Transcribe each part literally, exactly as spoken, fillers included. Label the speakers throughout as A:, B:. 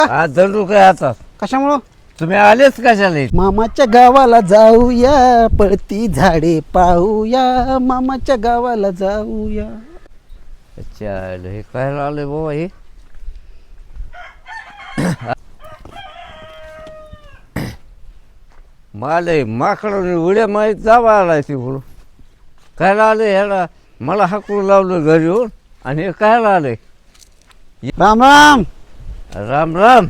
A: आज दंडू काय आता
B: कशामुळं?
A: तुम्ही आलेच कशाला इथं?
B: मामाच्या गावाला जाऊया, पळती झाडे पाहूया, मामाच्या गावाला जाऊया.
A: अच्छा हे काय आले बाबा हे माले माकडं उड्या माहीत जावा आलाय तिकडून काय आले ह्याला मला हाकून लावलं घरी येऊन आणि हे काय आलंय
B: राम राम
A: राम राम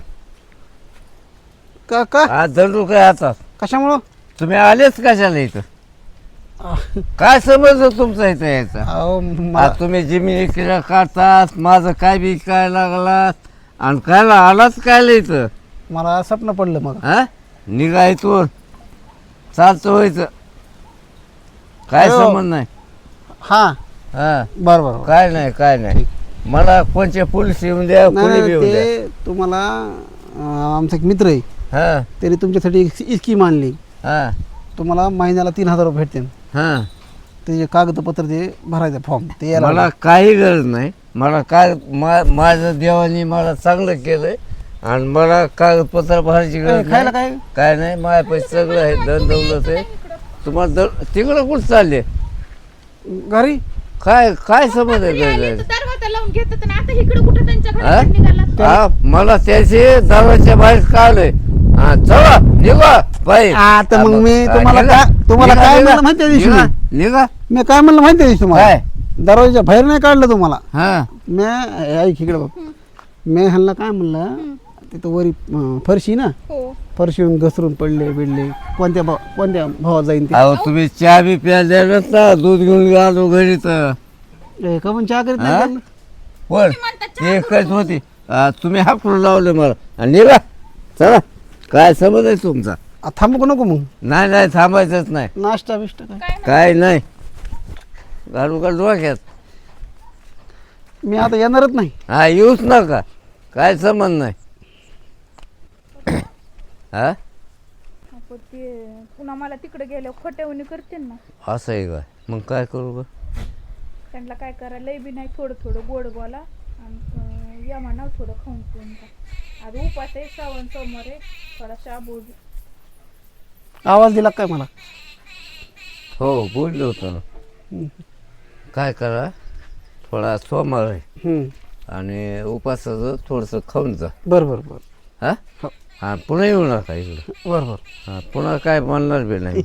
B: का का
A: आज दंडू काय आता
B: कशामुळं?
A: तुम्ही आलेच कशाला इथं काय समजलं तुमचं इथं यायचं
B: अहो मला
A: आज तुम्ही जिमिनी किरा काढतात माझं काय बी काय लागलात आणि कायला आलाच कायला इथं
B: मला स्वप्न पडलं मग.
A: हा निघा इथून चालतं व्हायचं काय
B: अयो.
A: संबंध नाही
B: हा
A: हा
B: बरं बरं
A: काय नाही काय नाही मला कोणच्या पोलीस येऊन द्या
B: नाही,
A: कोणी बी
B: नाही,
A: येऊन द्या
B: ते तुम्हाला अं, आमचा एक मित्र आहे,
A: हा
B: त्याने तुमच्यासाठी एक स्कीम आणली.
A: हा
B: तुम्हाला महिन्याला तीन हजार रुपये भेटतील.
A: हा
B: त्याचे कागदपत्र ते भरायचं फॉर्म ते यायला
A: मला काही गरज नाही मला काय मा माझं देवानी मला चांगलं केलंय आणि मला कागदपत्र भरायची
B: ए,
A: गरज
B: खायला
A: नाही.
B: काय?
A: काय नाही माझ्या पैसे सगळं आहे दन दौलत आहे तुम्हाला दर तिकडं कुठं चालले
B: घरी
A: काय काय समज आहे
C: आले
A: काय
C: तर दरवाजा लावून घेतात आणि आता इकडे कुठे त्यांच्या
A: हा?
C: घरात निघाला.
A: हा मला त्याची दरवाजच्या बाहेर काढलंय हा चला निघा बाई
B: आता मग मी
A: हा,
B: तुम्हाला
A: निघा.
B: काय तुम्हाला
A: निघा,
B: काय
A: निघा.
B: म्हणलं माहिती आहे दिवशी
A: निघा,
B: मी?
A: निघा
B: मी काय म्हणलं माहिती आहे तुम्हाला?
A: काय
B: दरवाजा बाहेर नाही काढलं तुम्हाला.
A: हा
B: मी ऐक इकडे बघ, मी ह्यांना काय म्हणलं, तिथं वरी अं, फरशी ना,
C: हो
B: फरशीवरून घसरून पडले बिडले, कोणत्या भाव कोणत्या भावात जाईन ते.
A: अहो तुम्ही चहा बी प्यायला ना दूध घेऊन आलो घरी तर
B: ए, का पण चहा करीत
A: हा?
B: नाही का?
A: पण ते एकच होती आ, तुम्ही हाकून लावले मला आणि निघा चला काय समज आहे तुमचा
B: आ, थांबू नको मग.
A: नाही नाही थांबायचंच नाही
B: नाश्ता बिष्टा काय?
C: काय
A: काय नाही घालू का डोक्यात
B: मी आता येणारच नाही.
A: हा येऊच नका काय समज नाही हा
C: आपण ते पुन्हा मला तिकडे गेल्यावर खोट्यावणी करते ना.
A: असं आहे काय मग काय करू ग
C: त्यांना काय करायला लय बी नाही थोडं थोडं गोड बोला आणि अं, या म्हणाव थोडं खाऊन पिऊन जा. आज उपास आहे श्रावण सोमवार आहे थोडा शाबू
B: आवाज दिला काय मला?
A: हो बोललो होतो ना
B: हम्म.
A: काय करा थोडा सोमवार आहे
B: हम्म.
A: आणि उपासाचं थोडंसं खाऊन जा
B: बरं बरं बरं
A: हा
B: हो.
A: हा पुन्हा येऊ नका इकडं
B: बरं बरं
A: हा पुन्हा काय म्हणणार बी नाही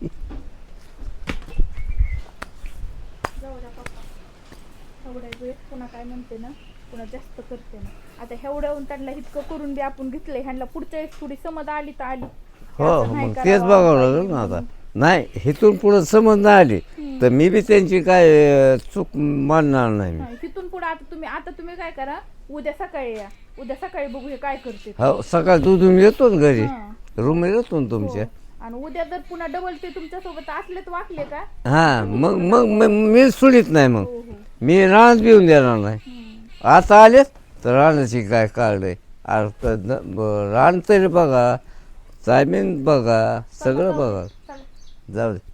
C: जाऊ द्या पप्पा. एवढ्या वेळेस पुन्हा काय म्हणते ना पुन्हा जास्त करते ना. आता एवढ्याहून त्यांना इतकं करून बी आपण घेतलंय ह्यांना पुढच्या वेळेस थोडी समज आली तर आली.
A: हो
C: असं नाही
A: मग
C: करावं,
A: तेच बघावं
C: असं
A: लागेल ना
C: नाही.
A: आता नाही इथून पुढं समज नाही आली तर मी बी त्यांची काय अं, चूक मानणार नाही मी
C: नाही, तिथून पुढे आता तुम्ही आता तुम्ही काय करा उद्या सकाळी या उद्या सकाळी बघू हे काय करते ते.
A: हो सकाळ दूधून येतो ना घरी
C: हा.
A: रूम येतो ना तुमच्या
C: हो. आणि उद्या जर पुन्हा डबल ते तुमच्या सोबत असले तर वाटले का
A: हा मग मग मग मी सोडित नाही मग
C: हो हो
A: मी रानात बिऊन देणार नाही
C: हम्म.
A: आता आले तर रानाची काय काढलंय अर्थ रान तरी बघा जमीन बघा सगळं बघा
C: चला.
A: जाऊ दे